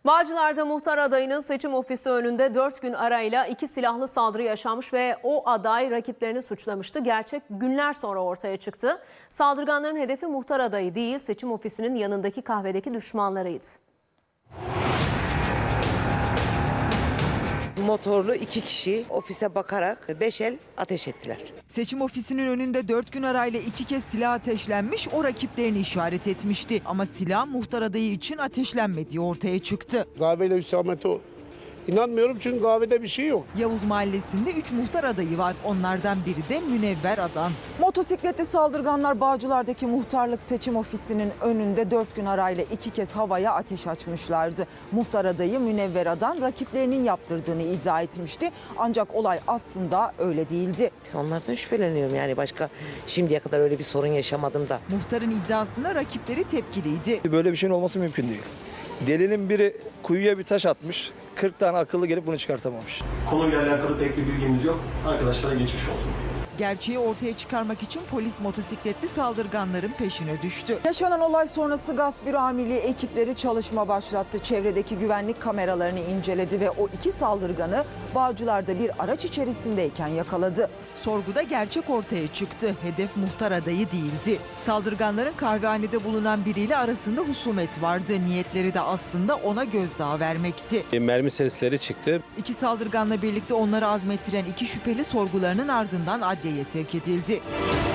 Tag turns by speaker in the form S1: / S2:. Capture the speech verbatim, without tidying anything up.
S1: Bağcılar'da muhtar adayının seçim ofisi önünde dört gün arayla iki silahlı saldırı yaşanmış ve o aday rakiplerini suçlamıştı. Gerçek günler sonra ortaya çıktı. Saldırganların hedefi muhtar adayı değil, seçim ofisinin yanındaki kahvedeki düşmanlarıydı.
S2: Motorlu iki kişi ofise bakarak beş el ateş ettiler.
S3: Seçim ofisinin önünde dört gün arayla iki kez silah ateşlenmiş, o rakiplerini işaret etmişti. Ama silah muhtar adayı için ateşlenmediği ortaya çıktı.
S4: Kahveyle hüsamete inanmıyorum çünkü kahvede bir şey yok.
S3: Yavuz Mahallesi'nde üç muhtar adayı var. Onlardan biri de Münevver Adan. Motosikletli saldırganlar Bağcılar'daki muhtarlık seçim ofisinin önünde dört gün arayla iki kez havaya ateş açmışlardı. Muhtar adayı Münevver Adan rakiplerinin yaptırdığını iddia etmişti. Ancak olay aslında öyle değildi.
S2: Onlardan şüpheleniyorum, yani başka şimdiye kadar öyle bir sorun yaşamadım da.
S3: Muhtarın iddiasına rakipleri tepkiliydi.
S5: Böyle bir şeyin olması mümkün değil. Delinin biri kuyuya bir taş atmış, kırk tane akıllı gelip bunu çıkartamamış.
S6: Konuyla alakalı pek bir bilgimiz yok. Arkadaşlara geçmiş olsun.
S3: Gerçeği ortaya çıkarmak için polis motosikletli saldırganların peşine düştü. Yaşanan olay sonrası gasp büro amirliği ekipleri çalışma başlattı. Çevredeki güvenlik kameralarını inceledi ve o iki saldırganı Bağcılar'da bir araç içerisindeyken yakaladı. Sorguda gerçek ortaya çıktı. Hedef muhtar adayı değildi. Saldırganların kahvehanede bulunan biriyle arasında husumet vardı. Niyetleri de aslında ona gözdağı vermekti.
S7: Mermi sesleri çıktı.
S3: İki saldırganla birlikte onları azmettiren iki şüpheli sorgularının ardından adliyeye sevk edildi.